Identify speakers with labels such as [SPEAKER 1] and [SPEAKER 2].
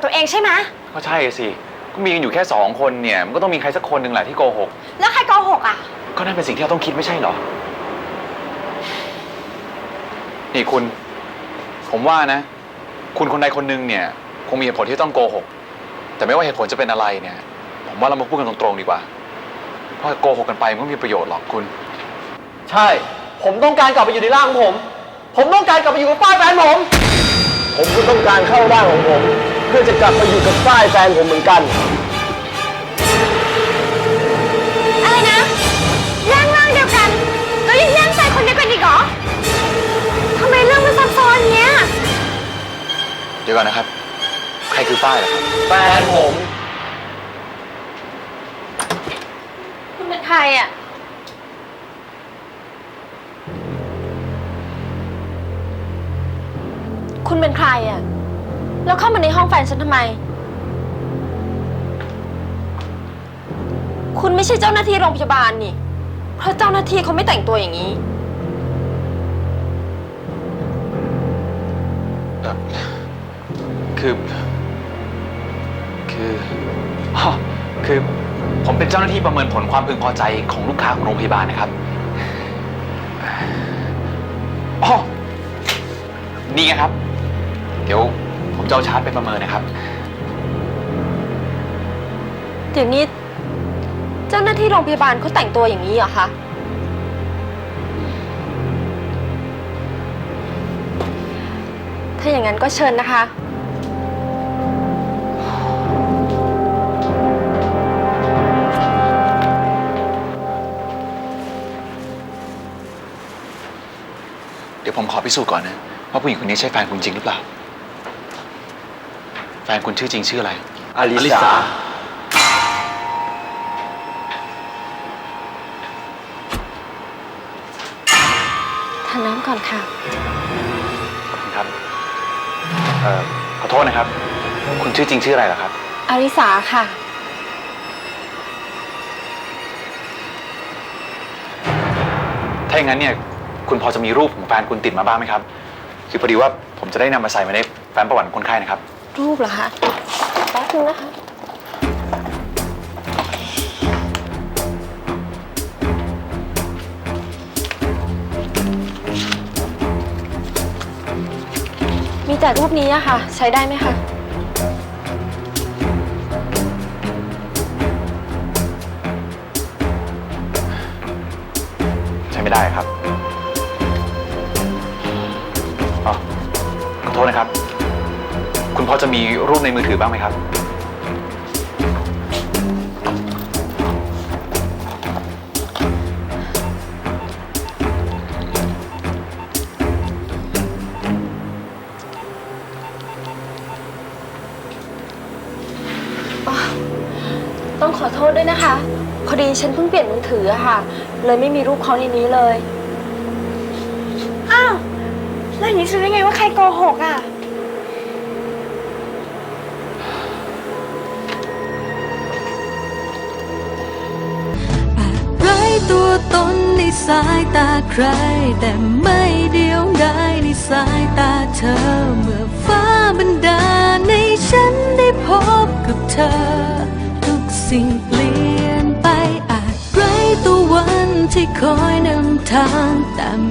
[SPEAKER 1] ตัวเองใช่ไหม
[SPEAKER 2] ก็ใช่สิก็มีกันอยู่แค่2 คนเนี่ยมันก็ต้องมีใครสักคนหนึ่งแหละที่โกหก
[SPEAKER 1] แล้วใครโกหกอ่ะ
[SPEAKER 2] ก็นั่นเป็นสิ่งที่เราต้องคิดไม่ใช่เหรอนี่คุณผมว่านะคุณคนใดคนหนึ่งเนี่ยคงมีเหตุผลที่ต้องโกหกแต่ไม่ว่าเหตุผลจะเป็นอะไรเนี่ยผมว่าเรามาพูดกันตรงๆดีกว่าเพราะโกหกกันไปมันไม่มีประโยชน์หรอกคุณ
[SPEAKER 3] ใช่ผมต้องการกลับไปอยู่ในร่างของผมต้องการกลับไปอยู่กับฝ้ายแฟนผมก็ต้องการเข้าร่างของผมเพื่อจะกลับไปอยู่กับฝ้ายแฟนผมเหมือนกัน
[SPEAKER 1] อะไรนะแย่งร่างเดียวกันแล้วยังแย่งใจคนเดียวกันอีกเหรอทำไมเรื่องมันซับซ้อนเนี้ย
[SPEAKER 2] เดี๋ยวก่อนนะครับใครคือฝ้ายล่ะครับ
[SPEAKER 3] แฟนผม
[SPEAKER 1] คุณเป็นใครอ่ะคุณเป็นใครอ่ะแล้วเข้ามาในห้องแฟนฉันทำไมคุณไม่ใช่เจ้าหน้าที่โรงพยาบาลนี่เพราะเจ้าหน้าที่เขาไม่แต่งตัวอย่างนี้
[SPEAKER 2] คือผมเป็นเจ้าหน้าที่ประเมินผลความพึงพอใจของลูกค้าของโรงพยาบาลนะครับอ๋อนี่ไงครับเดี๋ยวผมจะเอาชาร์ตไปประเมินนะครับ
[SPEAKER 1] เดี๋ยวนี้เจ้าหน้าที่โรงพยาบาลเขาแต่งตัวอย่างนี้เหรอคะถ้าอย่างนั้นก็เชิญนะคะ
[SPEAKER 2] เดี๋ยวผมขอพิสูจน์ก่อนนะว่าผู้หญิงคนนี้ใช่แฟนคุณจริงหรือเปล่าแฟนคุณชื่อจริงชื่ออะไร
[SPEAKER 3] อลิสา
[SPEAKER 1] ทานน้ำก่อนค่ะ
[SPEAKER 2] ขอบคุณครับขอโทษนะครับคุณชื่อจริงชื่ออะไรเหรอครับ
[SPEAKER 1] อลิสาค่ะ
[SPEAKER 2] ถ้าอย่างนั้นเนี่ยคุณพอจะมีรูปของแฟนคุณติดมาบ้างไหมครับคือพอดีว่าผมจะได้นำมาใส่ในแฟ้มประวัติของคนไข้นะครับ
[SPEAKER 1] รูปเหรอคะแป๊บนึงนะคะมีแต่รูปนี้อะค่ะใช้ได้ไหมคะ
[SPEAKER 2] ใช้ไม่ได้ครับขอโทษนะครับคุณพอจะมีรูปในมือถือบ้างไหมครับ
[SPEAKER 1] ต้องขอโทษด้วยนะคะพอดีฉันเพิ่งเปลี่ยนมือถืออะค่ะเลยไม่มีรูปเขาในนี้เลยอ้าวแล้วอย่างนี้รู้ได้ไงว่าใครโกหกอ่ะ
[SPEAKER 4] ตัวตนในสายตาใครแต่ไม่เดียวดายในสายตาเธอเมื่อฟ้าบันดาลให้ฉันได้พบกับเธอทุกสิ่งเปลี่ยนไปอาจไร้ตัววันที่คอยนำทางแต่